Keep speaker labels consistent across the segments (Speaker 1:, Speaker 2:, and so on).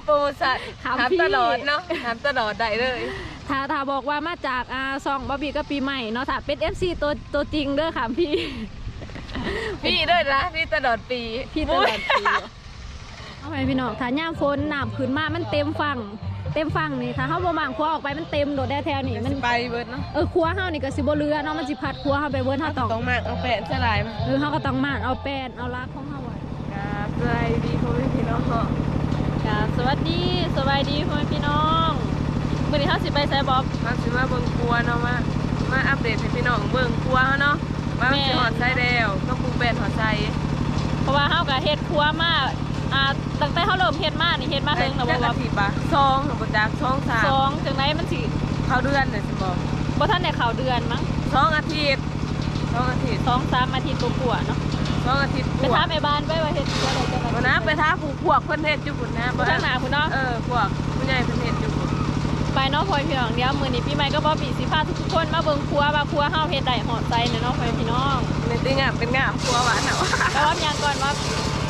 Speaker 1: โปรโมชั่นถามตลอดเนาะถามตลอดได้เลย
Speaker 2: ถ้าบอกว่ามาจากซองบอบบี้ก็ปีใหม่เนาะถ้าเป็น FC ตัวจริงเด้อค่ะพี่
Speaker 1: ด้วยนะพี่ตลอดปี
Speaker 2: พี่ตลอดปีเอาไปพี่น้องถ้าย่ามฝนน้ำขึ้นมามันเต็มฝั่งนี่ถ้าเขาบ่มางครัวออกไปมันเต็มโดดได้แถวนี่มัน
Speaker 1: ไปเบิร์ดเนาะ
Speaker 2: ครัวเฮานี่ก็สิบ่เรือเนาะมันสิพัดครัวเฮาไปเบิร์ดเฮา
Speaker 1: ต้องมากเอาแป้นสลาย
Speaker 2: เฮาก็ต้องมากเอาแป้นเอาลากของเฮาไว้
Speaker 1: ครับสวัสดีพ่อแม่พี่น้อง
Speaker 2: ครับสวัสดีพ่อแม่พี่น้องมื้อนี้เฮาสิไปไสบ๊อบ
Speaker 1: มาสิมาเบิ่งครัวเนาะมาอัปเดตให้พี่น้องเบิ่งครัวเฮาเนาะว่าสิฮอดไสแล้วก็ปลูกแป้นฮอดไส
Speaker 2: เพราะว่าเฮาก็เฮ็ดครัวมาตั้งแต่เขาเริ่มเฮ็ดมานี่เฮ็ดมาถึงนะ
Speaker 1: ว่า2บ่จัก2
Speaker 2: 3จังได๋มันสิ
Speaker 1: เข้าเดือนน่ะสิ
Speaker 2: บ่ทันได้เข้าเดือนมั้ง
Speaker 1: 2 อาทิตย์2 อาทิตย์
Speaker 2: 2-3 อาทิตย์กว่าเนาะ
Speaker 1: 2 อาทิตย์
Speaker 2: ไปถามแม่บ้านไปว่าเฮ็ดจังได๋จังได๋
Speaker 1: บ่นะไปถามพวกเพิ่นเฮ็ดอยู่พุ่นนะ
Speaker 2: บ่ทางหน้าพุ่นเนาะ
Speaker 1: พวกผู้ใหญ่เพิ่นเฮ็ดอยู่พุ่น
Speaker 2: ไปเนาะพ่อพี่น้องเดี๋ยวมื้อนี้ปีใหม่ก็บ่ปีสิพาทุกคนมาเบิ่งครัวว่าครัวเฮาเฮ็ดได้ฮอดใจเนาะพ่อพี่น้อง
Speaker 1: นี่ติงอ่ะเป็นงามครัวหวานเนาะ
Speaker 2: แต่ว่ายังก่อนว่า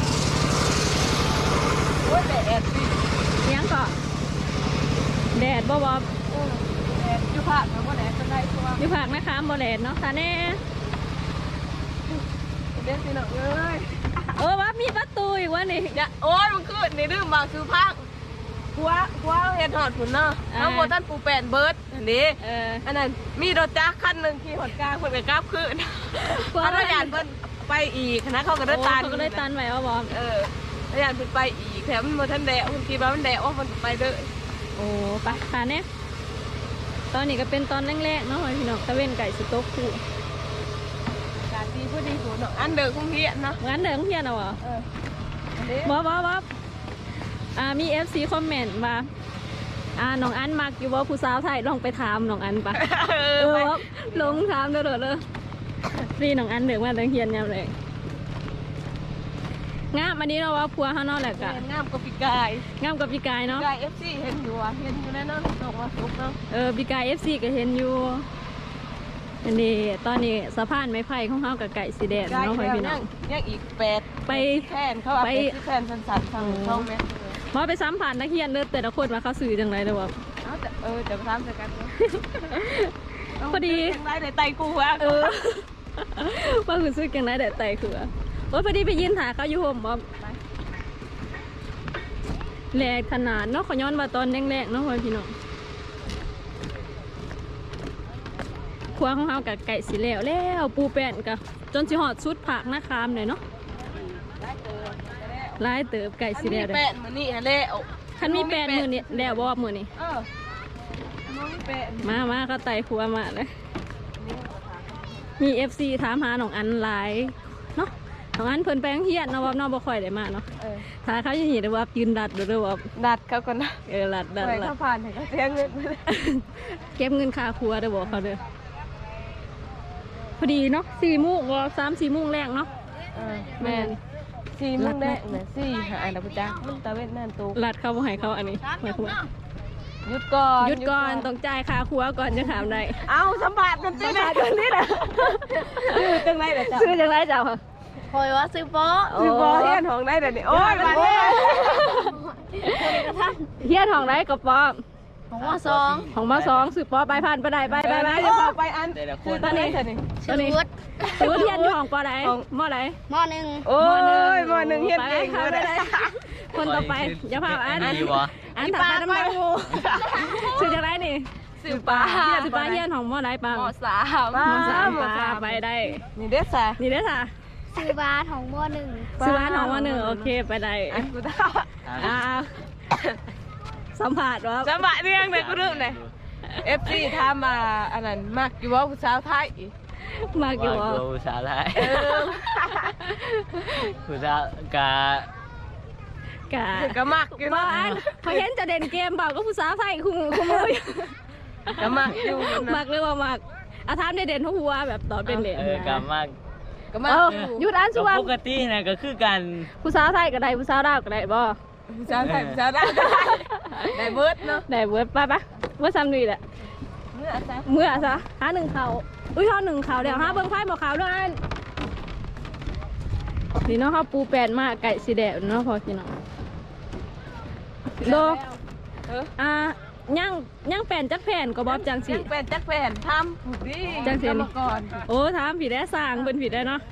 Speaker 1: โอ้ยแดดสิ
Speaker 2: ยังก็แดดบ่
Speaker 1: แดดอยู่ภาคมันบ่แดดเป็นไรตัว
Speaker 2: อยู่ภาคนะคะบ่แดดเนาะตาแน่
Speaker 1: เด็ดสิเนาะเอ้ย
Speaker 2: ว่ามีประตูอีกว่านี่
Speaker 1: โอ้ยมันคือในดื้อบางคือภาคครัวเฮ็ดฮอดพุ่นเนาะเอาบ่ทันปูแป้นเบิดอันนี้อันนั้นมีรถจักรคันนึงขี่ฮอดกลางเพิ่นก็กลับคืนถ้าเราอยากเพิ่นไปอีกนะเขาก็ได้ตัน
Speaker 2: ไว้เอาบ่
Speaker 1: แล้วอยากเพิ่นไปอีกแถมมันบ่ทันแดดเพิ่นคิดว่ามันแดดมันไปเด้อ
Speaker 2: โอ้ไปค่ะเนี่ยตอนนี้ก็เป็นตอนแรกๆเนาะพี่น้องตะเว้นไก่สต๊อกคู่
Speaker 1: การดีพอดีหัวเนาะอันเดิมคงเพี้ยนเนาะ
Speaker 2: อันเดิมเพี้ยนเอาบ๊อบมี FC คอมเมนต์ว่าน้องอันมักอยู่ว่าผู้สาวไทยลองไปถามน้องอันปะลงถามเด้อพี่น้องอันเดิมว่าตั้งเฮียนยามเลยงามอันนี้เราว่าพัวข้างนอกแหละกะ
Speaker 1: งามกับปีกาย
Speaker 2: เนาะ
Speaker 1: ปีกาย FC เห็นอยู่แน่นอนตกว่าสุกเนาะ
Speaker 2: ปีกาย FC ก็เห็นอยู่อันนี้ตอนนี้สะพานไม้ไผ่ของเขากับไก่สีแดงเนาะพี่น้อง
Speaker 1: ยังอีก8ไปแทนเขาไปแทนสั้นๆทางช่องแม่
Speaker 2: มาไปซ้ำผ่านนักเรียนเด้อแต่ละคนมาเขาสื่อจังไรเลยว่า
Speaker 1: จะซ้ำกัน
Speaker 2: พอดี
Speaker 1: จังไรแต่ไตกูว่า
Speaker 2: ว่าคือซื้อจังไรแต่ไตคือว่าพอดีไปยืนถ่ายเขาอยู่ห่มบ๊อบแหลกขนาดเนาะขย้อนมาตอนแรกๆเนาะพี่น้องครัวของเขากับไก่สีแล้วปูแป้นกับจนสิหอดชุดผักหน้าคามเลยเนาะลายเติบไก่สีแล้ว
Speaker 1: แป้นมือนี่ฮะแล้ว
Speaker 2: คันมีแป้นมือนี่แล้วบอบมือนี่มาก็ไต่ครัวมาเลยมี FC ถามหาหนองอันหลายเนาะหนองอันเพิ่นแปลงเฮียนเนาะว่าน้องบ่ค่อยได้มาเนาะถ้าเขาจะเห็นว่ายืนดัดหรือว่า
Speaker 1: ดัดเขาก่อนนะ
Speaker 2: ดัด
Speaker 1: เขาผ่านเขาเสียเงิน
Speaker 2: เก็บเงินค่าครัวได้บอกเขาเด้อพอดีเนาะ4 โมงว่า3-4 โมงแรกเนาะ
Speaker 1: แม่น4 โมงแรกเนี่ย4หาแล้วพุจ้ามันตะเวนนั่นตู
Speaker 2: ลัดเขาบ่ให้เขาอันนี้หมายความว่า
Speaker 1: หยุดก่อน
Speaker 2: ต้องจ่ายค่าครัวก่อนจะถามได้
Speaker 1: เอาสัมผัสกันสินะกันนี่แหละซื้อจังไรเด้อจ้า
Speaker 2: ซื้อจังไรเจ้า
Speaker 1: คอยว่าซื้อโป๊เฮียนห้องได้เดี๋ยวนี้โอ้ยมา
Speaker 2: เฮียนห้องได้กับป๊อ
Speaker 1: ของมา2
Speaker 2: ซื้อป๊อไปผ่านไปได้ไป
Speaker 1: จะพาไปอัน
Speaker 2: ตอนนี้ซื้อเฮียนอยู่ห้องป๊อไหนมอไหน
Speaker 1: ม.1โอ้ยม.1เฮียนเก่งเลย
Speaker 2: คนต่อไปอย่าพาอันถัดไปน้ำมันซื้อจังไรนี่
Speaker 1: ซื้อปลา
Speaker 2: เฮียนของมอไหนปลาม
Speaker 1: .3
Speaker 2: ปลาไปได้
Speaker 1: นี่เด้อ
Speaker 2: ค่ะ
Speaker 3: ซื้อบ้านของม.1
Speaker 2: ซื้อบ้านของม.1โอเคไปได้สัมผัสว่า
Speaker 1: สัมผัสเรื่องไหนก็เรื่องไหน FC ถามมาอันนั้นมักอยู่ว่าผู้สาวไทย
Speaker 2: มักอยู่ว่า
Speaker 4: ผู้สาวไทยผู้สาวก
Speaker 1: ะมักอยู่
Speaker 2: บ้านเขาเห็นจะเด่นเกมเปล่าก็ผู้สาวไทยคุ้ม
Speaker 1: กะมักอยู่
Speaker 2: มักเลยว่ามักอาทามในเด่นหัวแบบตอนเป็นเด่น
Speaker 4: กะมัก
Speaker 2: ยุดอันสุวรรณ
Speaker 4: ปกตินะก็คือกัน
Speaker 2: ผู้สาวไทยก็ได้ผู้สาวดาวก็ได้บ่
Speaker 1: ผู้สาวไทยผู้สาวดาวได้เบิร์ดเนาะ
Speaker 2: ได้เบิร์ดไปเมื่อซ้ำดีแหละเมื่อซะหา1 ข่าวหา1 ข่าวเดี๋ยวหาเบิ้งไพ่บอกข่าวด้วยอันนี่เนาะเขาปูแป้นมากไก่สีแดงเนาะพอพี่น้องโด
Speaker 1: เออ
Speaker 2: ย่างแผ่นจักแผ่นก็บอบจังสิ
Speaker 1: ยังเป็นจักแผ่นทำผูกดี
Speaker 2: จังสิ
Speaker 1: กรรมกร
Speaker 2: โอ้ถามผิดได้สร้างเป็นผิดได้เนาะ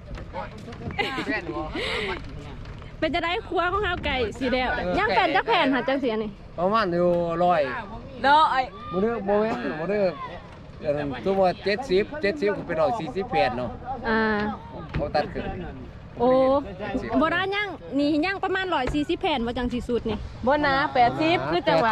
Speaker 2: เป็นจะได้ครัวของข้าวไก่สีแดงย่างแผ่นจักแผ่นหาจังสีนี่
Speaker 5: ประมาณอยู่100
Speaker 1: เนาะไอ้
Speaker 5: บ่ได้บ่แม่นบ่ได้ตัวว่า70ก็เป็น148เนาะ เขาตัดขึ้น
Speaker 2: โอ้โบราณย่างนี่ย่างประมาณ140แผ่นว่าจังสีสุดนี่
Speaker 1: บนนะ80คือจังหวะ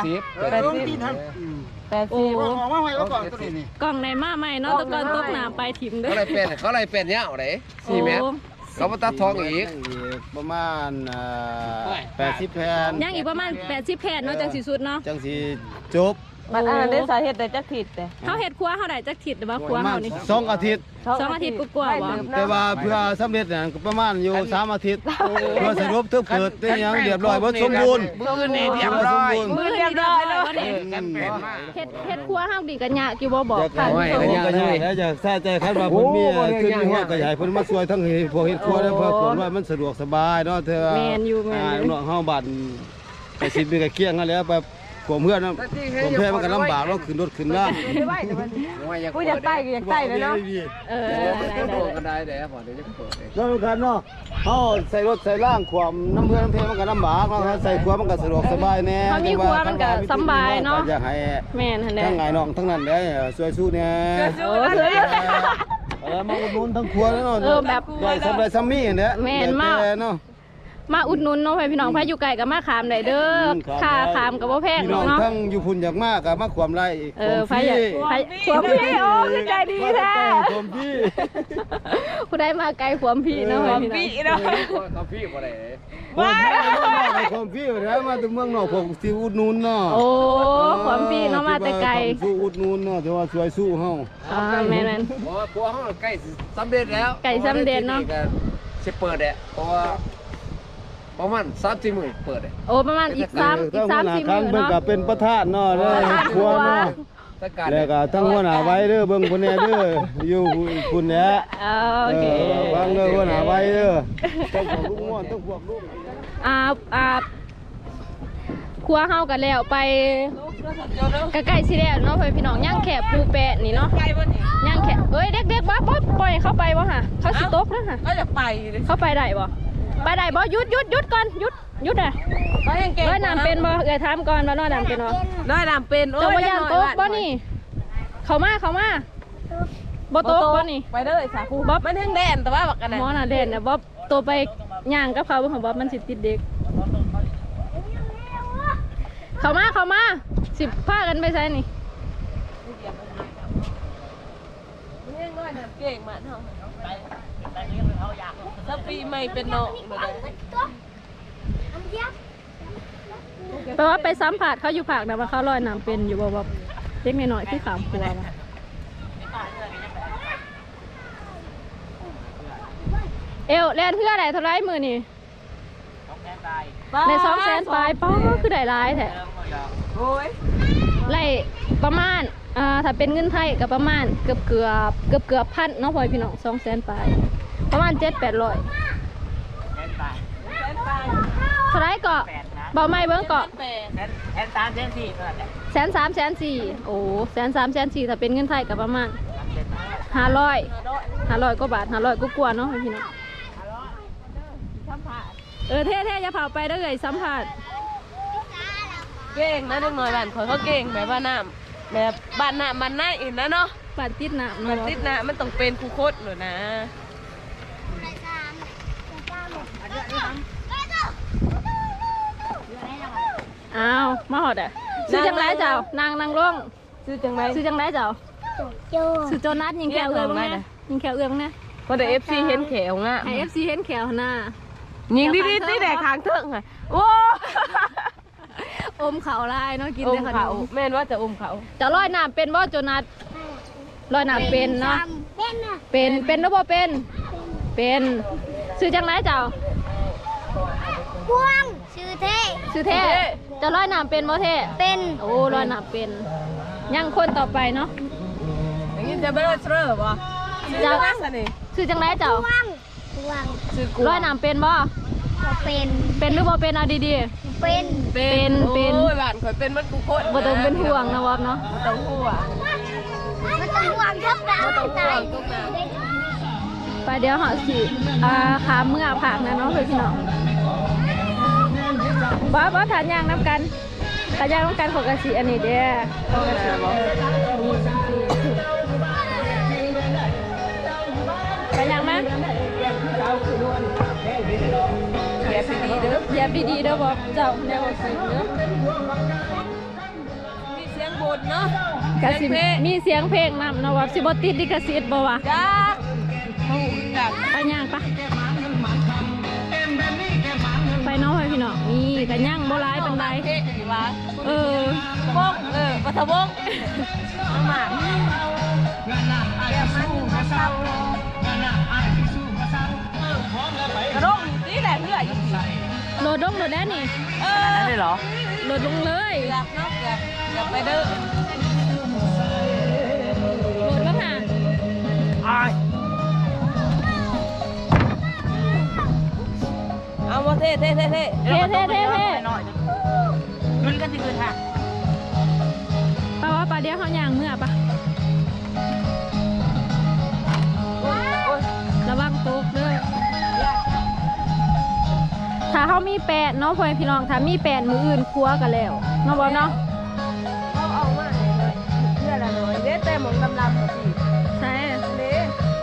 Speaker 1: 80
Speaker 2: โอ้
Speaker 6: ออกมาไว้แล้วก่อนตัวนี้
Speaker 2: กล่องในมาใหม่เนาะตะกอนตกน้ำไปถิ่มเด้
Speaker 5: เขาไล่เป็นยาวได้4เมตร
Speaker 2: โอ้
Speaker 5: เขามาตัดทองอีก
Speaker 6: ประมาณ80แผ่น
Speaker 2: ย่างอีกประมาณ80แผ่นเนาะจังสีสุดเนาะ
Speaker 6: จังสิจบ
Speaker 1: มันอันนั้นได้สาเหตุได้จักผิดแต่
Speaker 2: เขาเฮ็ดครัวเขาได้จักทิศหรือว่าครัว
Speaker 6: ประมา
Speaker 2: เขา
Speaker 6: ณ
Speaker 2: นี่
Speaker 6: 2 อาทิตย์
Speaker 2: 2 อาทิตย์กว่าๆบ่
Speaker 6: แต่ว่าเพื่อสำเร็จเนี่ยก็ประมาณอยู่3 อาทิตย์เพื่อสรุปเพื่อเปิดได้ยังเรียบร้อยบ่สมบูรณ์
Speaker 5: มือนี่เรียบร้อย
Speaker 2: มือเรียบร้อยแล้ววันนี้
Speaker 5: กันเป็นมาก
Speaker 2: เฮ็ดครัวเฮาดีกันยากอยู่บ่บอก
Speaker 6: อยาก
Speaker 2: ค่ะ
Speaker 6: ให้
Speaker 2: ผู้ชม
Speaker 6: ก็อยากให้อยากใส่ใจคันว่าเพิ่นมีขึ้นมีหัวก็อยากให้เพิ่นมาช่วยทั้งพวกเฮ็ดครัวและเพื่อผลว่ามันสะดวกสบายเนาะเธอ
Speaker 2: แม่นอยู่แม่นอยู่
Speaker 6: น้องเฮาบัดไปสิมีก็เกี้ยงกันแล้วไปผมเพื่อนนะผมเพื่อนมันก็ลำบากเราขึ้นรถขึ้นล่าง
Speaker 1: ไม่ไหวแต่มันกูอยากใต้ก็อยากใต้เลยเนาะ
Speaker 2: เออ
Speaker 5: โดนกันได้เด้อพอเดี๋ยวจะเปิด
Speaker 6: แล้วกันเนาะเขาใส่รถใส่ล่างความน้ำเพื่อนน้ำเพมันก็ลำบากเนาะใส่ขวามันก็สะดวกสบายแน่
Speaker 2: เขามีครัวมันก็สำบายเนาะ
Speaker 6: อยากให้
Speaker 2: แม่นหั่นแหละ
Speaker 6: ทั้งไงน้องทั้งนั้นได้ช่วยสู้เนี่ย
Speaker 2: โอ้เสือ
Speaker 6: มาอุดหนุนทั้งครัวแล้วเนาะ
Speaker 2: เออแบบ
Speaker 6: ได้สำไรซัมมี่เนี่ย
Speaker 2: แม่นมาก
Speaker 6: เนาะ
Speaker 2: มาอุดหนุนเนาะพี่น้องพาอยู่ไกลก็มาขามได้เด้อค่าขามก็บ่แพง
Speaker 6: พี่น้อง
Speaker 2: เนาะ
Speaker 6: ทั้งอยู่พุ่นอยากมากกับมาความไร
Speaker 2: เออพาอยากพาขวมพี่โอ้คือใจดีแท้
Speaker 6: ความพี่
Speaker 2: ผู้ใดมาไกลขวมพี่เนาะพี่น้อง
Speaker 5: กาแฟบ่ได้
Speaker 6: ความพี่แล้วมาถึงเมืองนอกผมสิอุดหนุนเนาะ
Speaker 2: โอ้ขวมพี่เนาะมาแต่ไกล
Speaker 6: สู้อุดหนุนเนาะแต่ว่าช่วยสู้เฮา
Speaker 2: แม่น
Speaker 5: เพราะว่าครัวเฮาใกล้สำเร็จแล้ว
Speaker 2: ใกล้สำเร็จเนาะ
Speaker 5: สิเปิดแหละเพราะว่าประมาณ3-4มื้อเปิดแหละ
Speaker 2: โอ้ประมาณอีก3-4
Speaker 6: ครั้
Speaker 2: มื้
Speaker 6: ง
Speaker 2: อ
Speaker 6: เบิ่ง
Speaker 2: เนาะ
Speaker 6: ก็เป็นประธานเนาะเด้อครัวเนาะ
Speaker 5: จัดการ
Speaker 6: แล้วก็ทั้งหัวหน้าไว้เด้อเบิ่งพุ่นแน่เด้ออยู่พุ่นแหละ
Speaker 2: โอเค
Speaker 6: วางเด้อหัวหน้าไว้เด้อต้องพวกลูกม่วนต้องพวกลูก
Speaker 2: ครัวเฮากันแล้วไปใกล้ๆสิแล้วเนาะพี่น้องย่างแขกปูแปะนี่เนาะ
Speaker 1: ไกลบ่นี่
Speaker 2: ย่างแขกเอ้ยเด็กๆบ่ปล่อยเข้าไปบ่ฮะเขาสิตกนะฮะ
Speaker 1: ก็จะไปเลย
Speaker 2: เข้าไปได้บ่ไปได้บ่หยุดก่อนหยุดอ่ะ
Speaker 1: ก็ยังเก่ง
Speaker 2: ร้อยน้ำเป็นบ่เอ้ยถามก่อนว่าร้อยน้ำเป็นบ่
Speaker 1: น้อยน้ำเป็นโอ้
Speaker 2: เจ้าบ่
Speaker 1: ย
Speaker 2: ย่านตกบ่นี่เข้ามาบ่ตกบ่นี่
Speaker 1: ไปเลยสาคูบ๊อบมันถึงแดนแต่ว่าบักกันนะ
Speaker 2: หมอน่ะเด่นน่ะบ่โตไปย่างกับเขาบ่ของบ่มันสิติดเด็กเข้ามาสิพากันไปไสนี่
Speaker 1: มันยังน้อยน้ำเก่งมากเนาะถ้าปีใหม่เป็นน้องเลย
Speaker 2: แปลว่าไปสัมผัสเขาอยู่ภาคนะว่าเขาลอยน้ำเป็นอยู่บ่ว่าเด็กน้อยๆคือขามครัวมาเอวแลนเพื่ออะไรเท่าไรมือนี่ใน200,000ปลายป้าคือได้หลายแท้
Speaker 1: โอ้ย
Speaker 2: ไล่ประมาณถ้าเป็นเงินไทยก็ประมาณเกือบพันเนาะพ่อพี่น้อง200,000ปลายประมาณ7-800เท่าไรก็เบาไม่เบิ้งก็130,000-140,000โอ้130,000-140,000ถ้าเป็นเงินไทยก็ประมาณ500กว่าบาท500กว่าๆเนาะพี่น้องเท่อย่าเผาไปเด้อเลยสัมผัส
Speaker 1: เก่งนะเด็กน้อยบ้านเขาเก่งแบบว่าน้ำแบบบ้านน้ำมันน่าอินนะเนาะ
Speaker 2: ปัดติดหนาม
Speaker 1: มันติดน้ำมันต้องเป็นคูโคตรเลยนะ
Speaker 2: อ้าวมาหอดอ่ะซื้อจังไรเจ้านางร่ง
Speaker 1: ซื้อจังไร
Speaker 2: ซื้อจังไรเจ้า
Speaker 3: โจ
Speaker 2: ซื้อโจนัสยิงแขวเอื้อบ้างนะยิงแขวเอื้อบ้างนะ
Speaker 1: พอเดี๋ยวFC เห็นแขวง่ะ
Speaker 2: ไอFC เห็นแขวหน้า
Speaker 1: ยิงดิที่แดกคางเถิงค่ะโอ้
Speaker 2: อมเขาลายเนาะกิน
Speaker 1: อ
Speaker 2: ได้
Speaker 1: ม
Speaker 2: ขน
Speaker 1: เขา
Speaker 2: ม
Speaker 1: แม่นว่าจะอมเขา
Speaker 2: จะลอยน้ำเป็นบ่โจนัสลอยน้ำเป็นเนาะ
Speaker 3: เป็นอะ
Speaker 2: เป็นหรือบ่เป็นซื้อจังไรเจ้า
Speaker 3: พวงชื่อเท่
Speaker 2: ซื้อเท่จะลอยน้ำเป็นบ่เท่
Speaker 3: เป็น
Speaker 2: โอ้ลอยน้ำเป็นยังคนต่อไปเนาะ
Speaker 1: อย่างนี้จะไม่ได้เชื่อป่ะซื้อจังไรสิ
Speaker 2: ซื้อจังไรเจ้า
Speaker 3: พวง
Speaker 1: ซื้อกู
Speaker 2: ลอยน้ำเป็นบ่
Speaker 3: ก็เป็น
Speaker 2: เป็นหรือบ่เป็นเอาดี
Speaker 3: เเป็น
Speaker 2: เป็น
Speaker 1: โอ้ยบ้านข่อยเป็นมันกูโคตร
Speaker 2: บ่ต้องเป็นห่วงนะวอบเนาะ
Speaker 1: ต้องห่วง
Speaker 3: มันต้องวางทับดาวตาย
Speaker 2: ไปเดี๋ยวเหาะสิขาเมื่อผักนะเนาะพี่น้องบ่ทานย่างน้ำกันทานย่างน้ำกันของกะสิอันนี้เด้อของกะสิไปย่างมั้ยเหยียบดีๆเด้อบ่เจ้าแนวสิเด้อ
Speaker 1: มีเสียงบนเนาะ
Speaker 2: กะสิมีเสียงเพลงนำเนาะว่าสิบ่ติดลิขสิทธิ์บ่วะ
Speaker 1: จ้าหูจัก
Speaker 2: ไปย่างปะไปเนาะพี่น้องนี่กันย่างโบราณเป็นไร
Speaker 1: เฮ้ยว่า
Speaker 2: เออ
Speaker 1: วงปฐวงน้ำหมากกระโดดนี่แหละเพื่ออยู่สิ
Speaker 2: โหลดลงโหลดได้นี่
Speaker 4: อันนี้เหรอ
Speaker 2: โหลดลงเลย
Speaker 1: อยากเนาะอยากไปเด้อ
Speaker 2: โหลดแล้วค่ะ
Speaker 1: เอามาเท่
Speaker 2: เท่
Speaker 4: ขึ้นกันสิขึ้นค่ะ
Speaker 2: ปะว่าปลาเดียวเขาย่างเมื่อปะระวังตกเด้อถ้าเขามีแปดเนาะพ่อพี่น้องถ้ามีแปดมืออื่นครัวกันแล้วเนาะบอเนาะ
Speaker 1: เอามาเลยเพื่ออะไรเลยเด้แต่หมองดำๆกับพี่
Speaker 2: ใช่
Speaker 1: เด้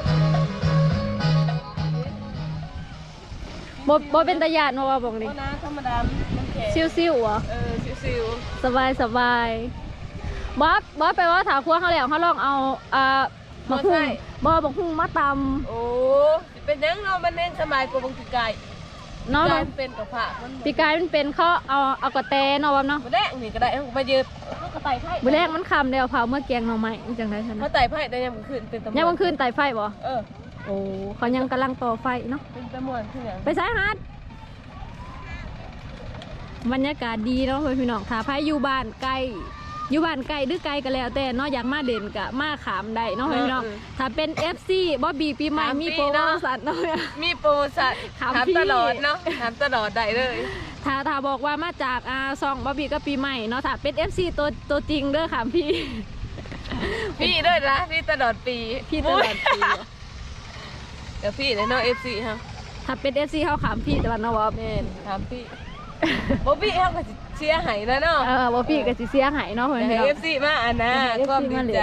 Speaker 2: บ่เป็นตะยานมาว่าบอกดิ
Speaker 1: ก็น้ำธรรมดามันแข็ง
Speaker 2: ซิวๆเหรอ
Speaker 1: ซิว
Speaker 2: สบายบอสไปว่าถาครัวเขาแล้วเขาลองเอาบักหุ่งบักหุ่งมาต
Speaker 1: ๆโอ้เป็นยังเนาะมันเน้นสมัยกว่าบางทีไก่
Speaker 2: ำเนาะ
Speaker 1: กายเป็นกับผักมัน
Speaker 2: ปีกายมันเป็นเขาเอากระแตเนาะวะเนาะ
Speaker 1: มาแดงนี่ก็ได้ไปยืดกระต่ายไผ่
Speaker 2: มื้อแรกมันคำเดียวเผาเมื่อแกงหน่อไม้จังได๋ซั่น
Speaker 1: กระ
Speaker 2: นะ
Speaker 1: ต่ายไผ่ได้ยังขึ้นเป็นตะมวน
Speaker 2: ยังวันคืนไต่ไฟบ่
Speaker 1: เออ
Speaker 2: โอ้เขายังกำลังต่อไฟเนาะ
Speaker 1: เป็นตะมวนที่ไหน
Speaker 2: ไปซ้ายฮัดบรรยากาศดีเนาะเพื่อนพี่น้องถ้าไผอยู่บ้านใกล้หรือไกลก็แล้วแต่เนาะอยากมาเด่นกะมาขามได้เนาะเพื่อนพี่น้องถ้าเป็น FC บ่บีปีใหม่มีโปรโมชั่นเนาะ
Speaker 1: มีโปรสัตว์
Speaker 2: ถาม
Speaker 1: ถาม
Speaker 2: พี่
Speaker 1: ตลอดเนาะถามตลอดได้เลย
Speaker 2: ถ้าบอกว่ามาจากซองบ่บีก็ปีใหม่เนาะถ้าเป็น FC ตัวจริงเด้อค่ะพี่
Speaker 1: พี่ด้วยนะพี่ตลอดปี
Speaker 2: พี่ตลอดปี
Speaker 1: เดี๋ยวพี่เลยเนาะ FC ฮะ
Speaker 2: ถ้าเป็น FC เฮาขามพี่แต่ว่าเนาะว่า
Speaker 1: แม่นถามพี่บ๊อบบี้เขาก็เชียร์ไห้แล้วเนาะ
Speaker 2: บ่พี่ก็สิเสียหายเนาะเพื่อน
Speaker 1: ให้
Speaker 2: พี่น้อง
Speaker 1: FC มาอันนะ
Speaker 2: ให้ FC
Speaker 1: ความดี
Speaker 2: มาเลย
Speaker 1: ใจ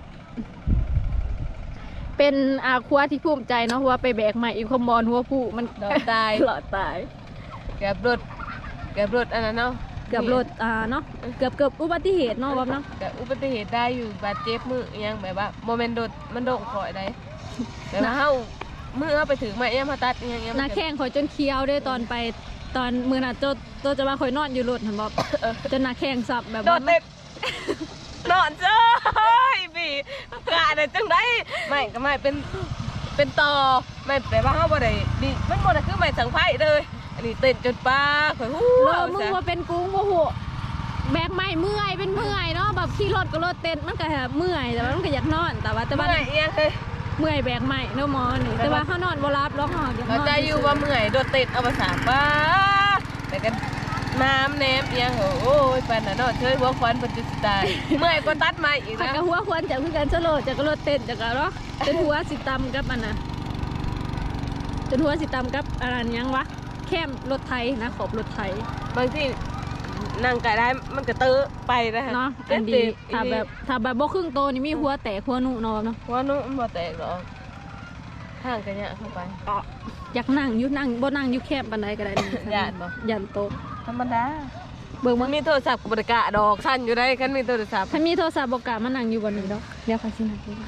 Speaker 2: เป็นครัวที่ภูมิใจเนาะเพราะว่าไปแบกใหม่อีกคอมบอลหัวผู้มัน
Speaker 1: หลอดตาย
Speaker 2: หลอดตาย
Speaker 1: เกือบรถอันนั้นเนาะ
Speaker 2: เกือบรถเนาะเกือบอุบัติเหตุเนาะว่าเนาะ
Speaker 1: แต่อุบัติเหตุได้อยู่บาดเจ็บมืออิหยังแบบว่าโมเมนต์โดดมันโด่งคอยได้แต่ว่าเฮามือเฮาไปถึงมาอิหยังมาตัดอิหยัง
Speaker 2: หน้าแข้งข่อยจนเคี้ยวด้วยตอนไปตอนมือน่ะโจจะมาข่อยนอนอยู่รถหันบอกจนหน้าแข้งสับแบบ
Speaker 1: โด
Speaker 2: ว่า
Speaker 1: ดเต็มนอนเจ้ยพี่กะได้จังได๋ไม่ก็ไม่เป็นต่อไม่แต่ว่าเฮาบ่ได้ดิมันบ่ได้คือไม่สังไผเลยอันนี้เต้นจนป้าข่อยฮู้
Speaker 2: เอมึงว่าเป็นกุ้งโมโหแบกไม่เมื่อยเป็นเมื่อยเนาะแบบขี่รถก็รถเต้นมันก็เมื่อยแต่ว่ามันก็อยากนอนแต่ว่า
Speaker 1: เมื่อยอิหยังเลย
Speaker 2: เมื่อยแบกไม่เนาะหมอนี่แต่ว่าเขานอนบ่รับร้องหอบอยากน
Speaker 1: เรา
Speaker 2: อน
Speaker 1: ใจอยู่ว่าเมื่อยโดดเต้นเอาภาษาป้าแต่กันน้ำแนมอิหยังโอ้ยปานน่ะเนาะเชยหัวควันเพิ่นจะสิตายเมื่อยกว่าตัดไม้อีก
Speaker 2: ผัก
Speaker 1: นะ
Speaker 2: กะหัวควรจะคือกันสโลจะกระโดดเต้นจะกระเนาะจนหัวสิตำกับอันน่ะจนหัวสิตำกับอะไรยังวะแคมรถไถนะขอบรถไถ
Speaker 1: บางที่นั่งไก่ได้มันก็เตอะไปนะฮะ
Speaker 2: เนาะอันดีถ้าแบบบ่ครึ่งโตนี่มีหัวแตกหัวหนุนอนเนาะ
Speaker 1: หัวนุ่มบ่แตกหรอกห่างกันเนี่ยเข้าไป
Speaker 2: อยากนั่งอยู่นั่งบ่นั่งอยู่แคบปานใดก็ได้นี่
Speaker 1: ย่านบ่
Speaker 2: ยันโตะ
Speaker 1: ธรรมดา
Speaker 2: เบิ่ง
Speaker 1: มั
Speaker 2: มัน น
Speaker 1: มีโทรศัพท์กับบริกะดอกสั้นอยู่ได้คันมีโทรศัพท์
Speaker 2: ถ้ามีโทรศัพท์บ่กล้ามานั่งอยู่บนนี้ดอกเดี๋ยวค่อยสินั่งอยู่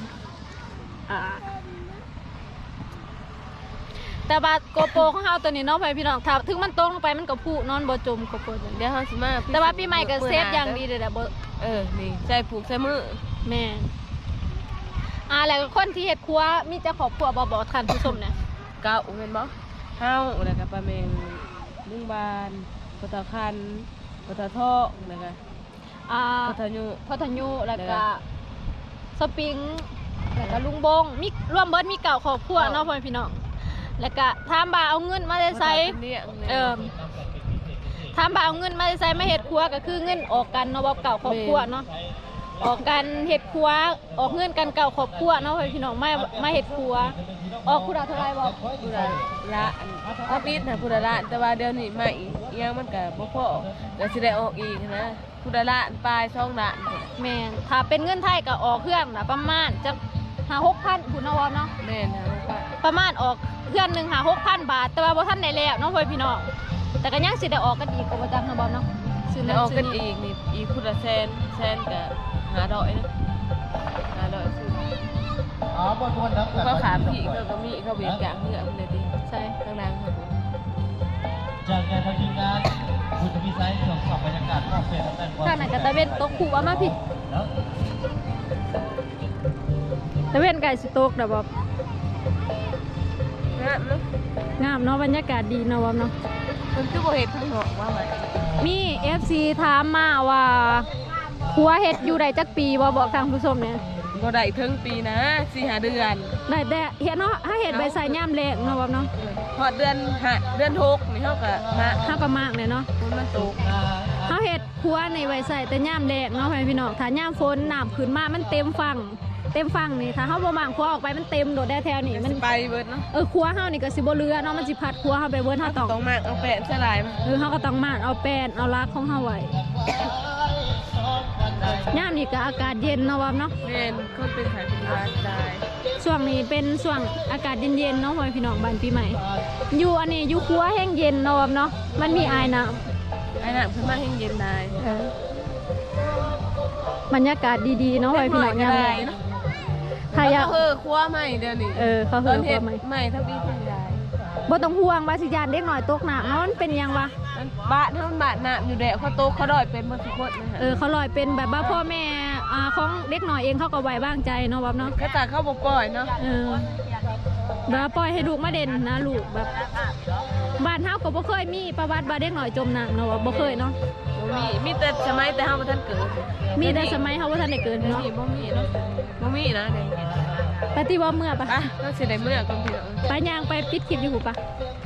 Speaker 2: แต่ว่าโกโปรของเฮาตัวนี้เนาะพี่น้องถ้าถึงมันตกลงไปมันก็พุนอนบ่จมโกโปรตัวนี้
Speaker 1: เดี๋ยวเฮาสิมา
Speaker 2: แต่ว่าปีใหม่ก็เซฟอย่างดีเลยแหละบ่
Speaker 1: นี่ใส่ผูกใส่มือ
Speaker 2: แม่แล้วก็คนที่เฮ็ดครัวมีเจ้าครอบครัวบ่บอกท่านผู้ชมเนี่ย
Speaker 1: เก้าแม่นบ่เฮาแล้วก็ป้าแมงลุงบานปตะคันปตะทอกแล้วก็ปตะยุ
Speaker 2: พัทยุแล้วก็สปริงแล้วก็ลุงบงมีรวมเบิดมีเก่าครอบครัวเนาะพ่อพี่น้องแล้วก็ถามบ่าเอาเงินมาได้ไสถถามว่าเอาเงินมาใช้มาเฮ็ดครัวก็คือเงินออกกันเนาะบ่เก่าครอบครัวเนาะออกกันเฮ็ดครัวออกเงินกันเก่าครอบครัวเนาะพี่น้องมาเฮ็ดครัวออกผู้ละเท่าไหร่บ่
Speaker 1: ผู้ละถ้าปิดนะผู้ละแต่ว่าเดี๋ยวนี้มาอีกยังมันก็บ่พอก็สิได้ออกอีกนะผู้ละปลาย2ล้าน
Speaker 2: แม่นถ้าเป็นเงินไทยก็ออกเครื่องน่ะประมาณจัก5-6,000พุ่นเนาะว่าเนาะ
Speaker 1: แม่นนะว่า
Speaker 2: ประมาณออกเครื่องนึง6,000 บาทแต่ว่าบ่ทันได้แล้วเนาะพี่น้องแต่ก็ยังสิได้ออกกันอีกก็บ่จักเนาะบ่เนาะซื้อ
Speaker 1: ได้
Speaker 2: นั้น
Speaker 1: ออก
Speaker 2: ซื้
Speaker 1: กั
Speaker 2: อน นี้
Speaker 1: อีกนี่อีกผู้ละแสนก็500นะ500ซื้อเขาขาพี่ก็มีเขาเบียดอย่างเหือมันเลยดิ
Speaker 2: ใช่
Speaker 1: ข้างล่างครับ
Speaker 7: จากการทำทีมงานคุณจะมีไซส์ตรวจสอบบรรยากาศรอบเฟสตั้งแต่
Speaker 2: ข้างนั้นก็ตะเวนตกขู่ว่ามาพี่ตะเวนไก่สิตกเด้อบ่
Speaker 1: งามเนาะ
Speaker 2: งามเนาะบรรยากาศดีเนาะบ่เนาะ
Speaker 1: มันคือบ่เฮ็ดข้างนอกว่าไหม
Speaker 2: มี FC ถามมาว่าครัวเฮ็ดอยู่ได้จักปีบ่บอกทางผู้ชมเนี่ย
Speaker 1: บ่ได้ถึงปีนะ4-5เดือน
Speaker 2: ได้แต่เฮ็ดเนาะถ้าเฮ็ดใบใส่ย่ามแรงเนาะบ่เนาะ
Speaker 1: พอเดือน6นี่เฮาก็มา
Speaker 2: เฮาก็มากเลยเนาะ
Speaker 1: มันตก
Speaker 2: เฮาเฮ็ดครัวในใบใส่แต่ย่ามแรงเนาะพี่น้องถ้าย่ามฝนน้ำขึ้นมามันเต็มฝั่งนี่ถ้าเฮาบ่มางครัวออกไปมันเต็มโดดได้แถวนี้มัน
Speaker 1: ไปเบิดเนาะ
Speaker 2: ครัวเฮานี่ก็สิบ่เหลือเนาะมันสิพัดครัวเฮาไปเบิดเฮาต้อง
Speaker 1: ต้องมากเอาแปะสลายมา
Speaker 2: เฮาก็ต้องมานเอาแป้นเอารักของเฮาไว้ย่ามนี่ก็อากาศเย็นเนาะว่าเนาะ
Speaker 1: แม่นคนเป็นไข้เป็นหวัดตาย
Speaker 2: ช่วงนี้เป็นช่วงอากาศเย็นๆเนาะพี่น้องบ้านปีใหม่อยู่อันนี้อยู่ครัวแห้งเย็นเนาะเนาะมันมีอายน้ำ
Speaker 1: ไอ้น่ะเพิ่นมาให้เย็นได้
Speaker 2: บรรยากาศดีๆเนาะพี่น้องยามแลง
Speaker 1: เนาะ
Speaker 2: ถ้าอยาก
Speaker 1: ครัวใหม่เดี๋ยวนี้
Speaker 2: เขา
Speaker 1: ต
Speaker 2: เฮื
Speaker 1: อ
Speaker 2: อน ครั
Speaker 1: เฮ็
Speaker 2: ว
Speaker 1: ด
Speaker 2: ใหม่
Speaker 1: ใหม่ทั้งปีทั้งยาย
Speaker 2: บ่ต้องห่วงว่าสิยานเด็กน้อยตกน้ำเนาะมันเป็นหยังวะ
Speaker 1: มันบ้านเฮามันบ้านน้ำอยู่แดะเขาโตเขาดอยเป็นหมดทุกคนนะฮะ
Speaker 2: เขาลอยเป็นแบบว่าพ่อแม่ของเด็กน้อยเองเขาก็ไว้วางใจเนาะเนาะ
Speaker 1: ก็ตาเขาบ่ปล่อยเนาะ
Speaker 2: แบบปล่อยให้ลูกมาเด่นนะลูกแบบบ้านเฮาก็บ่เคยมีประวัติว่าเด็กน้อยจมน้ำเนาะบ่เคยเนาะ
Speaker 1: บ่มีแต่สมัยแต่เฮาบ่ทันเกิด
Speaker 2: มีแต่สมัยเฮาบ่ทันได้เกิด
Speaker 1: เนาะ
Speaker 2: เนาะ
Speaker 1: บ่มีเนาะบ่มีนะเด้
Speaker 2: ปฏิว่าเมื่อปะ
Speaker 1: อ่ะก็สิได้เมื่อก่อนพี่น้อง
Speaker 2: ไปย่างไปปิดคลิปอยู่หูปะ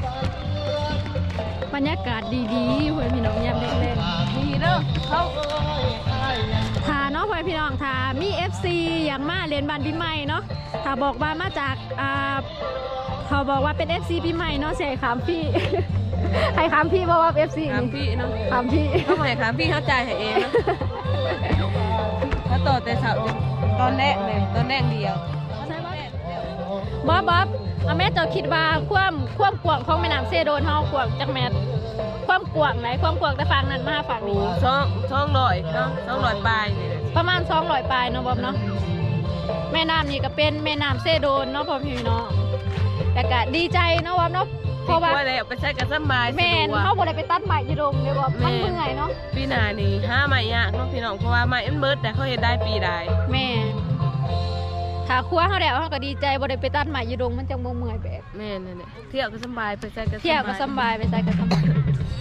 Speaker 2: บรรยากาศดีๆเพื่อนพี่น้องยามแรง
Speaker 1: ดีเด้อเขา
Speaker 2: ๆถ้าเนาะเพื่อนพี่น้องถ้ามี FC อย่างมาเรียนบ้านปีใหม่เนาะถ้าบอกว่ามาจากเขาบอกว่าเป็น FC ปีใหม่เนาะเสียขามพี่ ให้ขามพี่บอกว่า FC
Speaker 1: ถาม
Speaker 2: นี่
Speaker 1: พี่เนาะ
Speaker 2: ขามพี่
Speaker 1: เขาให้ถามพี่เขาจ่ายให้เองเนาะเขาต่อแต่เสาร์ตอนแรกเลยตอนแรกเดียว
Speaker 2: บ๊อบเอาแม่เจ้าคิดว่าความกว้างของแม่น้ำเซโดนเฮากว้างจักแมตรความกว้างไหนความกว้างแต่ฝั่งนั้นมาฝั่งนี้
Speaker 1: 200เนาะ200ปลายนี่แหละ
Speaker 2: ประมาณ200 ปลายเนาะบ๊อบเนาะแม่น้ำนี่ก็เป็นแม่น้ำเซโดนเนาะพ่อพี่น้องแต่ก็ดีใจเนาะบ๊อบเนาะเพราะว่า
Speaker 1: แล้วไปใช้กันสบาย
Speaker 2: แม่น
Speaker 1: สะดวก
Speaker 2: เขาบ่ได้ไปตัดใหม่อยู่โรงเด้อบ๊อบมันเมื่อยเนาะ
Speaker 1: ปีหน้านี่ห้าใหม่ยากเนาะพี่น้องเพราะว่าใหม่มันเบิดแต่เขาเฮ็ดได้ปีใด
Speaker 2: แม่ถ้าครัวเฮาแล้วเฮาก็ดีใจบ่ได้ไปตัดใหม่อยู่โรงมันจังบ่เมื่อยแบบ
Speaker 1: แม่นั่นแหละเที่ยวก็สบายไปใช้กัน
Speaker 2: เที่ยวก็สำบายไปใส่ก็สำบาย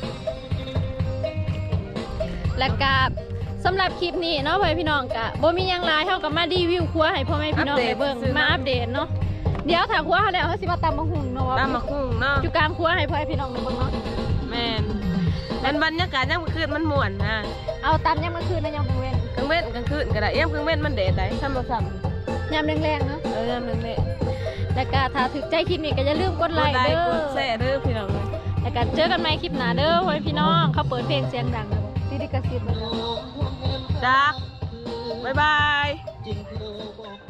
Speaker 2: แล้วก็สำหรับคลิปนี้เนาะพ่อพี่น้องก็บ่มีหยังหลายเฮาก็มารีวิวครัวให้พ่อแม่พี่น้องได้เบิ่งมาอัปเดตเนาะเดี๋ยวถ้าครัวเฮาแล้วเฮาสิมาตำบักหุ่งเนาะ
Speaker 1: ตามมาคุ้งเนาะ
Speaker 2: อยู่กลางครัวให้พ่อพี่น้องได้เบิ่งเนาะ
Speaker 1: แม่นมันบรรยากาศยามกลางคืนมันม่วนนะ
Speaker 2: เอาตำยามมื้อคืนนะยามกลางเว้น
Speaker 1: กลางเว้นกลางคืนก็ได้ยามกลางเว้นมันแดดได้ซ้ำบ่ซ้
Speaker 2: ยามแรงๆเนาะ
Speaker 1: ำยามนึงแหละ
Speaker 2: แล้วก็ถ้าถึกใจคลิปนี้ก็อย่าลืมกดไลค์เด้
Speaker 1: ก
Speaker 2: อ
Speaker 1: ดแชร์เด้อพี่น้อง
Speaker 2: แล้วก็เจอกันใหม่คลิปหน้าเด้อพ่อพี่น้องเขาเปิดเพลงเสียงดังนะที่ดิกระซิบ
Speaker 1: จักบ๊ายบาย